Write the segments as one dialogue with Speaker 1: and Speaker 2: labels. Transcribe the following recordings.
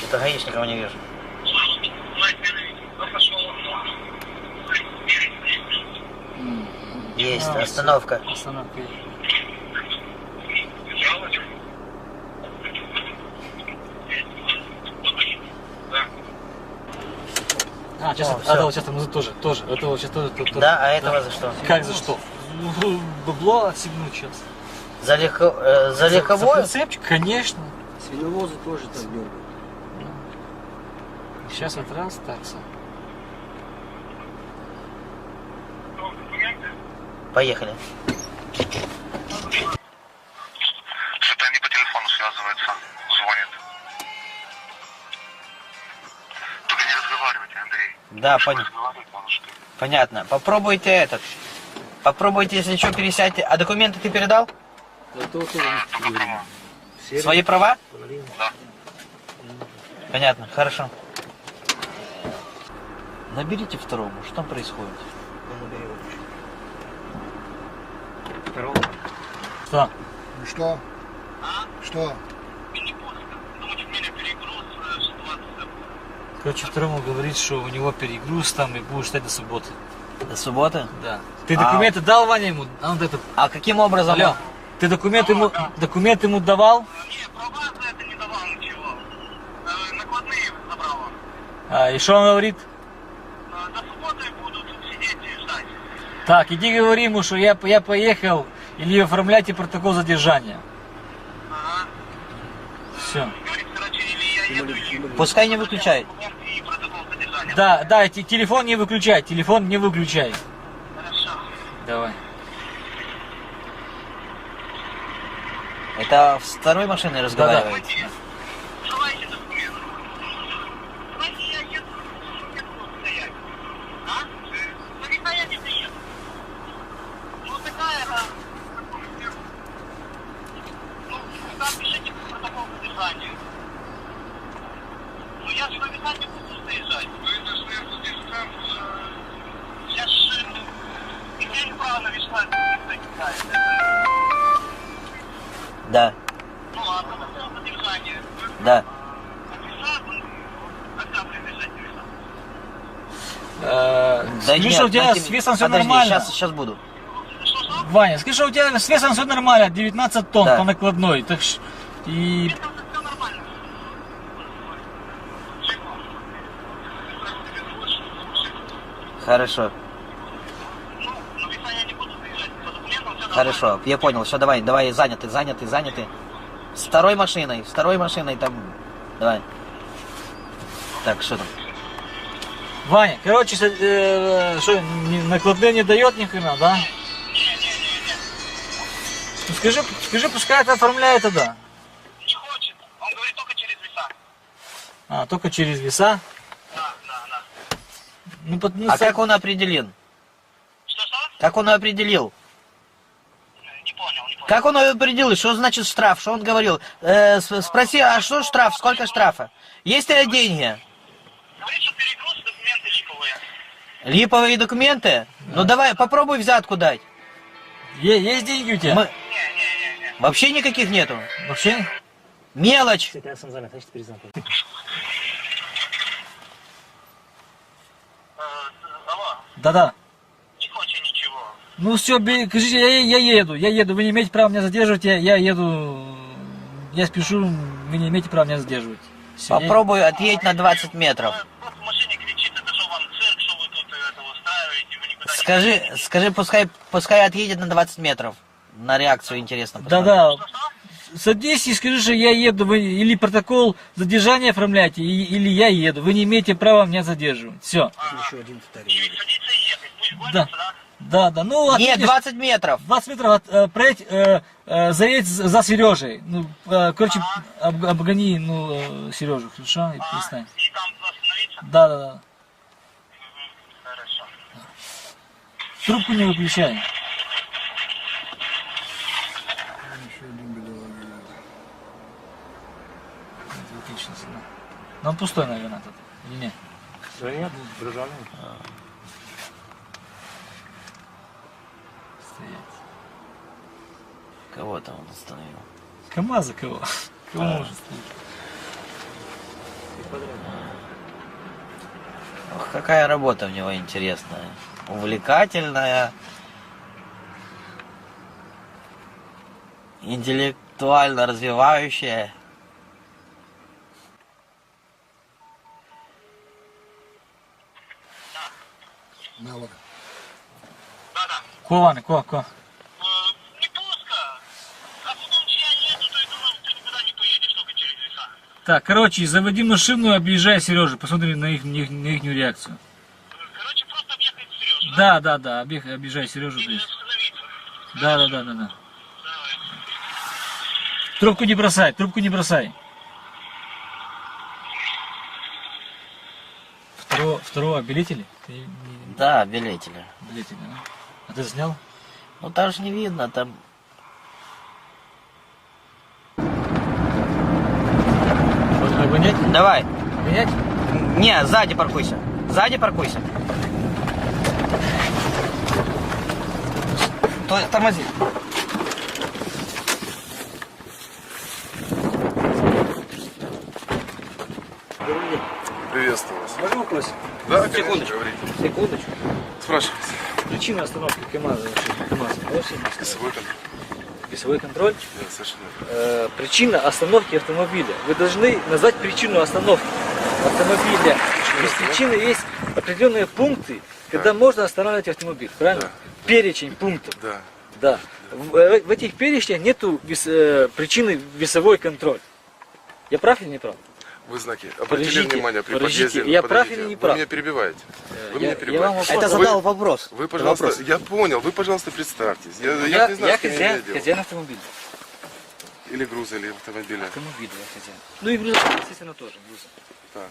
Speaker 1: Что-то гаишников не вижу. Есть, остановка.
Speaker 2: Остановка. А, сейчас этого сейчас там тоже. Этого сейчас тоже.
Speaker 1: Да, а этого за что?
Speaker 2: Как за что? Бабло отсигнуть сейчас.
Speaker 1: За легковое?
Speaker 2: За прицепчик, конечно.
Speaker 3: Свиновозы тоже так дергают.
Speaker 2: Сейчас вот раз, такса.
Speaker 1: Поехали.
Speaker 4: Что-то они по телефону связываются, звонят. Только не разговаривайте, Андрей.
Speaker 1: Да,
Speaker 4: Разговаривать надо, что ли?
Speaker 1: понятно. Попробуйте этот. Попробуйте, если что, пересядьте. А документы ты передал?
Speaker 3: Это вот тоже
Speaker 4: Права.
Speaker 1: Свои права?
Speaker 4: Да.
Speaker 1: Понятно, хорошо. Наберите второму, что там происходит?
Speaker 2: Что?
Speaker 3: Ну что? Что?
Speaker 2: Короче, второму говорит, что у него перегруз там и будет ждать до субботы.
Speaker 1: До субботы?
Speaker 2: Да. Ты документы дал, Ваня, ему? А он этот...
Speaker 1: А каким образом?
Speaker 2: Алло, ты документы ему давал?
Speaker 4: Не, права за это не давал ничего. Накладные забрал он.
Speaker 2: А, и что он говорит?
Speaker 4: До субботы будут сидеть и ждать.
Speaker 2: Так, иди говори ему, что я поехал, или оформляйте протокол задержания.
Speaker 4: Ага.
Speaker 2: Все.
Speaker 4: Говорит, короче, или я еду, или...
Speaker 1: Пускай не выключает.
Speaker 4: И протокол задержания.
Speaker 2: Да, телефон не выключай, телефон не выключай.
Speaker 4: Хорошо.
Speaker 2: Давай.
Speaker 1: Это с второй машиной разговариваете?
Speaker 4: Давайте документы. Давайте я еду стоять. А? Ну никуда я не приеду. Ну такая, да. Ну, там пишите протокол задержания. Ну я же написать не буду заезжать. Ну это сверху здесь там... Я ж... Имею право навешать, не кидает.
Speaker 1: Да,
Speaker 4: Ну ладно, протокол задержания.
Speaker 1: да.
Speaker 2: Скажи, что у тебя с весом все
Speaker 1: Подожди,
Speaker 2: нормально.
Speaker 1: сейчас буду.
Speaker 2: Ваня, скажи, что у тебя с весом все нормально, 19 тонн
Speaker 1: Да.
Speaker 2: по накладной. Так и...
Speaker 1: Хорошо, хорошо, я понял. Все, давай, заняты. С второй машиной там. Давай. Так, что там?
Speaker 2: Ваня, короче, что, накладные не дает ни хрена, да? Ну скажи, пускай это оформляет тогда.
Speaker 4: Не хочет. Он говорит только через веса.
Speaker 2: А, только через веса?
Speaker 4: Да.
Speaker 2: Ну,
Speaker 1: А как он определен?
Speaker 4: Что?
Speaker 1: Как он определил?
Speaker 4: Не понял.
Speaker 1: Как он определил, что значит штраф? Что он говорил? Спроси, а что штраф? Сколько штрафа? Есть ли деньги?
Speaker 4: Говорит, что перегруз, документы липовые.
Speaker 1: Липовые документы? Ну давай, попробуй взятку дать.
Speaker 2: Есть деньги у тебя?
Speaker 1: Мы... Вообще никаких нету.
Speaker 2: Вообще?
Speaker 1: Мелочь.
Speaker 4: Алло,
Speaker 2: Да.
Speaker 4: не хочет ничего.
Speaker 2: Ну все, скажите, я еду. Вы не имеете права меня задерживать, я еду. Я спешу, вы не имеете права меня задерживать. Всё,
Speaker 1: Попробуй отъедь на 20 метров.
Speaker 4: Вот в машине кричит, это что вам цирк, что вы тут это устраиваете, вы никуда не...
Speaker 1: Скажи, пускай отъедет на 20 метров. На реакцию интересно посмотреть.
Speaker 2: Да. Садись и скажи, что я еду. Вы или протокол задержания оформляйте, или я еду. Вы не имеете права меня задерживать. Все.
Speaker 3: Еще один второй.
Speaker 4: И садиться и ехать, пусть
Speaker 2: Да.
Speaker 4: гонится, да?
Speaker 2: Да. Ну,
Speaker 1: Нет,
Speaker 2: отъедешь
Speaker 1: 20 метров.
Speaker 2: 20 метров проедь, заедь за Сережей. Ну, короче, обгони, Сережу, хорошо? И перестань.
Speaker 4: И там остановиться?
Speaker 2: Да.
Speaker 4: Хорошо.
Speaker 2: Трубку не выключай.
Speaker 3: Еще один бедолага.
Speaker 2: Отлично, всегда. Но он пустой, наверное, тут. Или нет?
Speaker 5: Да нет, брожали.
Speaker 2: Стоять.
Speaker 1: Кого там он остановил?
Speaker 2: КамАЗа кого? Кого может стоять?
Speaker 1: Ох, какая работа у него интересная. Увлекательная. Интеллектуально развивающая.
Speaker 3: Навык.
Speaker 4: Да-да.
Speaker 2: Кованы, ко.
Speaker 4: Не пусто. А потом я еду, то я думал, ты никуда не поедешь, только через леса.
Speaker 2: Так, короче, заводи машину, объезжай Сережу, посмотрим на их реакцию.
Speaker 4: Короче, просто объехать Сережу, да?
Speaker 2: Да, объезжай Сережу.
Speaker 4: Или остановиться.
Speaker 2: Да.
Speaker 4: Давай.
Speaker 2: Трубку не бросай. Второго обелители? Ты не-
Speaker 1: Да, билетели.
Speaker 2: Обелители, да? А ты снял?
Speaker 1: Ну там же не видно, там...
Speaker 2: Обгонять?
Speaker 1: Давай.
Speaker 2: Обгонять?
Speaker 1: Не, сзади паркуйся. Тормози.
Speaker 6: Приветствую вас.
Speaker 2: Можно вопрос?
Speaker 6: Да, конечно, говорите.
Speaker 2: Секундочку.
Speaker 6: Спрашивайте.
Speaker 2: Причина остановки КамАЗа.
Speaker 6: Весовой контроль.
Speaker 2: Весовой контроль.
Speaker 6: Да, совершенно верно.
Speaker 2: Причина остановки автомобиля. Вы должны назвать причину остановки автомобиля. Без причины есть определенные пункты, когда можно останавливать автомобиль. Правильно?
Speaker 6: Да.
Speaker 2: Перечень пунктов.
Speaker 6: Да.
Speaker 2: Да. В этих перечнях нету причины весовой контроль. Я прав или не прав?
Speaker 6: Вы знаки обратили
Speaker 2: Подождите,
Speaker 6: внимание при
Speaker 2: подождите,
Speaker 6: подъезде?
Speaker 2: я прав
Speaker 6: Подождите,
Speaker 2: или не
Speaker 6: Вы
Speaker 2: прав?
Speaker 6: меня перебиваете. Вы
Speaker 2: Я-
Speaker 6: меня
Speaker 2: я
Speaker 6: перебиваете.
Speaker 2: вам вопрос-
Speaker 1: Это задал вопрос.
Speaker 6: Вы, пожалуйста,
Speaker 1: Вопрос.
Speaker 6: я понял, вы, пожалуйста, представьтесь. Я не знаю,
Speaker 2: Я
Speaker 6: что мне
Speaker 2: хозяин,
Speaker 6: делать.
Speaker 2: хозяин автомобиля.
Speaker 6: Или груза, или автомобиля.
Speaker 2: Автомобиля я хозяин. Ну и груза, естественно, тоже. Груза.
Speaker 6: Так.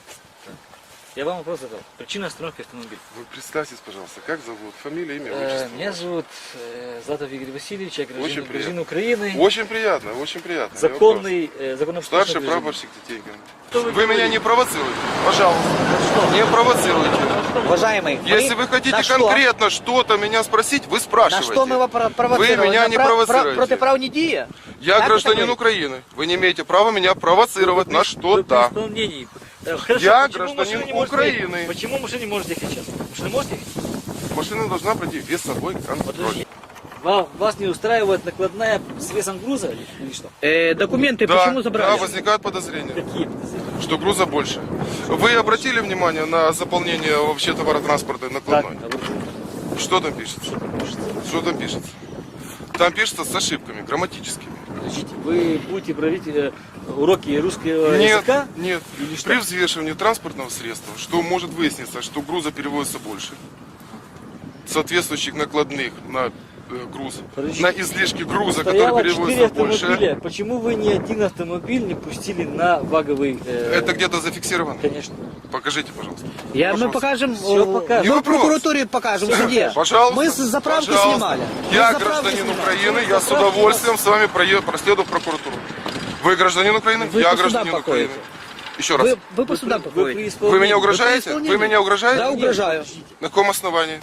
Speaker 2: Я вам вопрос задал. Причина остановки автомобиля.
Speaker 6: Вы представьтесь, пожалуйста, как зовут? Фамилия, имя, отчество?
Speaker 2: Меня зовут Златов Игорь Васильевич, я
Speaker 6: Очень
Speaker 2: гражданин
Speaker 6: приятно.
Speaker 2: Украины.
Speaker 6: Очень приятно, очень приятно. не
Speaker 2: Законный,
Speaker 6: вопрос.
Speaker 2: законопослушный
Speaker 6: Старший
Speaker 2: гражданин.
Speaker 6: прапорщик Тетенько.
Speaker 2: Что вы
Speaker 6: Вы меня
Speaker 2: говорите?
Speaker 6: не провоцируйте, пожалуйста. Не провоцируйте.
Speaker 1: Уважаемый,
Speaker 6: Если вы хотите
Speaker 1: на что?
Speaker 6: конкретно что-то меня спросить, вы спрашиваете.
Speaker 1: На что мы его провоцировали?
Speaker 6: Вы меня
Speaker 1: На
Speaker 6: не провоцируете.
Speaker 1: Протиправні дії?
Speaker 6: Я
Speaker 1: Как
Speaker 6: гражданин
Speaker 1: это
Speaker 6: Украины. Вы не имеете права меня провоцировать на
Speaker 2: Вы
Speaker 6: что-то.
Speaker 2: при исполнении. Хорошо,
Speaker 6: Я
Speaker 2: почему
Speaker 6: гражданин
Speaker 2: машина не может
Speaker 6: Украины.
Speaker 2: ехать? Почему машина не может ехать сейчас? Машина может ехать?
Speaker 6: Машина должна пройти весовой контроль.
Speaker 2: Подожди. Вас не устраивает накладная с весом груза или что?
Speaker 1: Документы
Speaker 6: Да,
Speaker 1: почему забрали?
Speaker 6: да, возникают подозрения,
Speaker 2: Какие подозрения?
Speaker 6: что груза больше. Вы обратили внимание на заполнение вообще товаротранспорта накладной? Что там пишется? Что там пишется? Там пишется с ошибками грамматическими.
Speaker 2: Подождите, вы будете проводить уроки русского
Speaker 6: Нет,
Speaker 2: языка?
Speaker 6: нет.
Speaker 2: Или что?
Speaker 6: При взвешивании транспортного средства, что может выясниться, что груза перевозится больше, соответствующих накладных на груз,
Speaker 2: Подождите.
Speaker 6: на излишки груза,
Speaker 2: Стояло
Speaker 6: который
Speaker 2: 4
Speaker 6: перевозится больше.
Speaker 2: автомобиля. Почему вы ни один автомобиль не пустили на ваговый...
Speaker 6: Это где-то зафиксировано?
Speaker 2: Конечно.
Speaker 6: Покажите, пожалуйста.
Speaker 1: Мы
Speaker 6: Пожалуйста.
Speaker 1: покажем,
Speaker 2: Всё покажем.
Speaker 6: Не
Speaker 1: мы в
Speaker 6: вопрос.
Speaker 1: прокуратуре покажем, в суде.
Speaker 6: Пожалуйста.
Speaker 1: Мы с заправки
Speaker 6: пожалуйста.
Speaker 1: снимали. Мы
Speaker 6: Я
Speaker 1: с заправки
Speaker 6: гражданин
Speaker 1: снимали.
Speaker 6: Украины, я с удовольствием с вами проследую в прокуратуру. Вы гражданин Украины?
Speaker 1: Вы
Speaker 6: Я
Speaker 1: по судам
Speaker 6: гражданин
Speaker 1: покоите.
Speaker 6: Украины. Еще раз.
Speaker 1: Вы по судам
Speaker 2: Вы
Speaker 1: походите.
Speaker 2: при исполнении.
Speaker 6: Вы меня угрожаете?
Speaker 1: исполнении?
Speaker 6: Вы меня угрожаете?
Speaker 1: Да, угрожаю.
Speaker 6: На каком основании?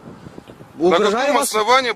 Speaker 6: На
Speaker 1: Угрожаю
Speaker 6: каком
Speaker 1: вас.
Speaker 6: основании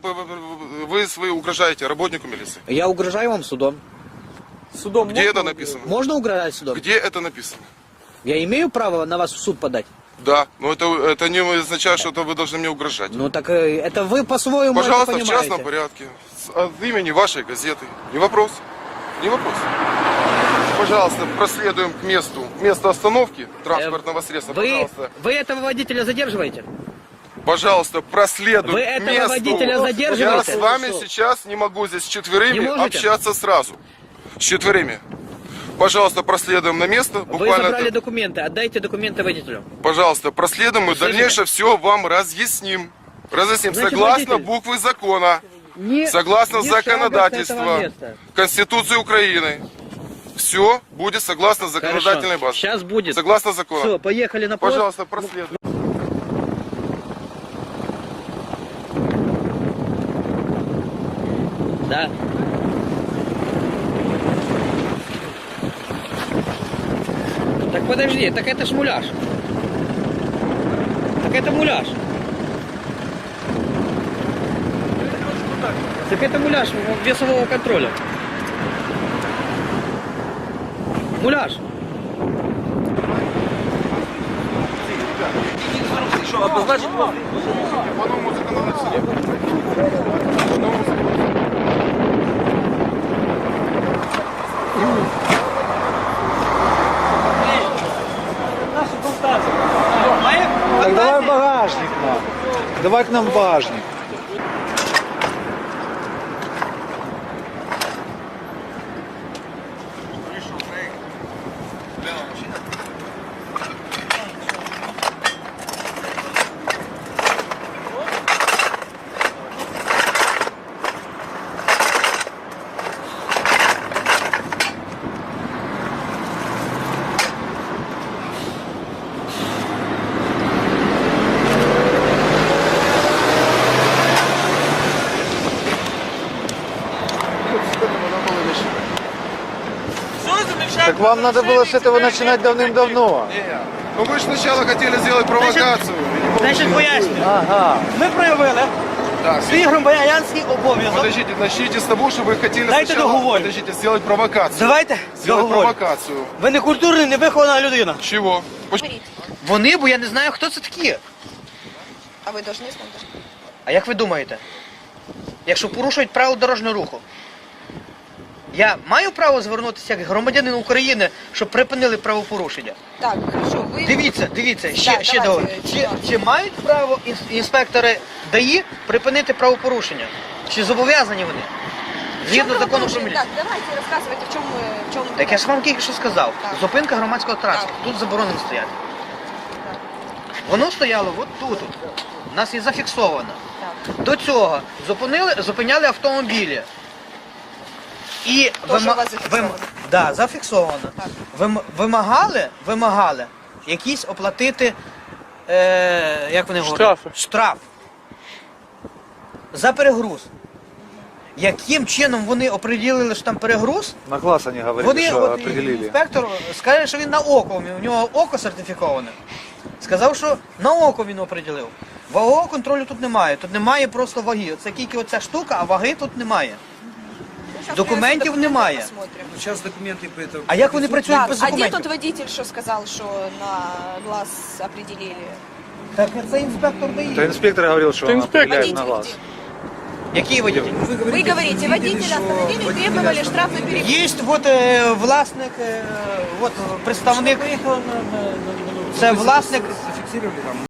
Speaker 6: вы угрожаете работнику милиции?
Speaker 1: Я угрожаю вам судом.
Speaker 2: Судом
Speaker 6: Где это написано?
Speaker 1: Можно угрожать судом?
Speaker 6: Где это написано?
Speaker 1: Я имею право на вас в суд подать?
Speaker 6: Да, но это не означает, что это вы должны мне угрожать.
Speaker 1: Ну так это вы по-своему
Speaker 6: Пожалуйста,
Speaker 1: это
Speaker 6: в
Speaker 1: понимаете.
Speaker 6: частном порядке. От имени вашей газеты. Не вопрос. Не вопрос. Пожалуйста, проследуем к месту остановки транспортного средства. Пожалуйста.
Speaker 1: Вы этого водителя задерживаете?
Speaker 6: Пожалуйста, проследуем
Speaker 1: Вы
Speaker 6: к
Speaker 1: этого
Speaker 6: месту.
Speaker 1: водителя
Speaker 6: Я
Speaker 1: задерживаете?
Speaker 6: с вами сейчас не могу здесь с
Speaker 1: Не
Speaker 6: четверыми
Speaker 1: можете?
Speaker 6: общаться сразу. С четверыми. Пожалуйста, проследуем на место.
Speaker 1: Вы
Speaker 6: Буквально,
Speaker 1: забрали документы, отдайте документы водителю.
Speaker 6: пожалуйста, проследуем и
Speaker 1: Слышите?
Speaker 6: дальнейшее все вам разъясним. Разъясним
Speaker 1: Значит,
Speaker 6: согласно
Speaker 1: водитель,
Speaker 6: буквы закона,
Speaker 1: Не-
Speaker 6: согласно
Speaker 1: не шага с этого
Speaker 6: законодательства,
Speaker 1: места.
Speaker 6: Конституции Украины. Все будет согласно законодательной базе.
Speaker 1: Сейчас будет.
Speaker 6: Согласно закону.
Speaker 1: Все, поехали на пост.
Speaker 6: Пожалуйста, проследуем.
Speaker 1: Да. Так подожди, так это ж муляж. Так это муляж. Так это муляж весового контроля. Муляж.
Speaker 2: обозначить вам.
Speaker 6: По новому законодательству. По новому законодательству.
Speaker 2: Наши фантазии.
Speaker 7: Так давай в багажник нам. Давай к нам в багажник. Так вам надо было с этого начинать давным-давно.
Speaker 6: Ну вы же сначала хотели сделать провокацию.
Speaker 1: Значить, пояснюю.
Speaker 7: Ага.
Speaker 1: Ми проявили
Speaker 6: Да,
Speaker 1: свій громадянський обов'язок.
Speaker 6: подождите, начните с того, что вы хотели
Speaker 1: Дайте
Speaker 6: сначала
Speaker 1: договорю.
Speaker 6: подождите, сделать провокацию.
Speaker 1: Давайте
Speaker 6: Сделать
Speaker 1: договорю.
Speaker 6: провокацию.
Speaker 1: Ви не культурна, не вихована людина.
Speaker 6: Чего?
Speaker 1: Вони, бо я не знаю, хто це такі.
Speaker 8: А вы должны знать?
Speaker 1: А як ви думаєте? Якщо порушують правила дорожнього руху, я маю право звернутися як громадянин України, щоб припинили правопорушення?
Speaker 8: Так, хорошо. Вы...
Speaker 1: Дивіться,
Speaker 8: Да,
Speaker 1: ще
Speaker 8: давайте,
Speaker 1: довго.
Speaker 8: чувак.
Speaker 1: Чи мають право інспектори ДАІ припинити правопорушення? Чи зобов'язані вони? Згідно закону про міліцію.
Speaker 8: Так, давайте рассказывайте, в чем
Speaker 1: Так я ж вам тільки що сказав.
Speaker 8: Так.
Speaker 1: Зупинка громадського транспорту. Тут заборонено стояти. Воно стояло от тут. У нас і зафіксовано.
Speaker 8: Так.
Speaker 1: До цього зупиняли автомобілі. І
Speaker 8: Тоже у вас зафіксовано?
Speaker 1: Да, зафіксовано.
Speaker 8: Так.
Speaker 1: Вимагали якісь оплатити, як вони говорять?
Speaker 2: Штрафи.
Speaker 1: Штраф. За перегруз. Яким чином вони оприділили, що там перегруз?
Speaker 7: На класс они говорили,
Speaker 1: Вони,
Speaker 7: что
Speaker 1: от,
Speaker 7: определили.
Speaker 1: інспектор скаже, що він на око, у нього око сертифіковане. Сказав, що на око він оприділив. Вагового контролю тут немає, тут немає просто ваги. Це тільки оця штука, а ваги тут немає.
Speaker 8: Сейчас
Speaker 1: Документів
Speaker 8: мы
Speaker 1: немає.
Speaker 8: посмотрим.
Speaker 3: Сейчас документы по этому.
Speaker 1: А як вони працюють
Speaker 8: Так,
Speaker 1: без
Speaker 8: а где
Speaker 1: документів?
Speaker 8: тот водитель, что сказал, что на глаз определили?
Speaker 1: Так це інспектор
Speaker 7: Это
Speaker 1: дає.
Speaker 7: инспектор говорил, что он определяет на
Speaker 8: Водитель
Speaker 7: глаз.
Speaker 8: где?
Speaker 1: Який водитель?
Speaker 8: Вы говорите, водителя остановили и требовали штраф за перегруз.
Speaker 1: Є от власник, от представник. Це власник.
Speaker 3: Зафиксировали там.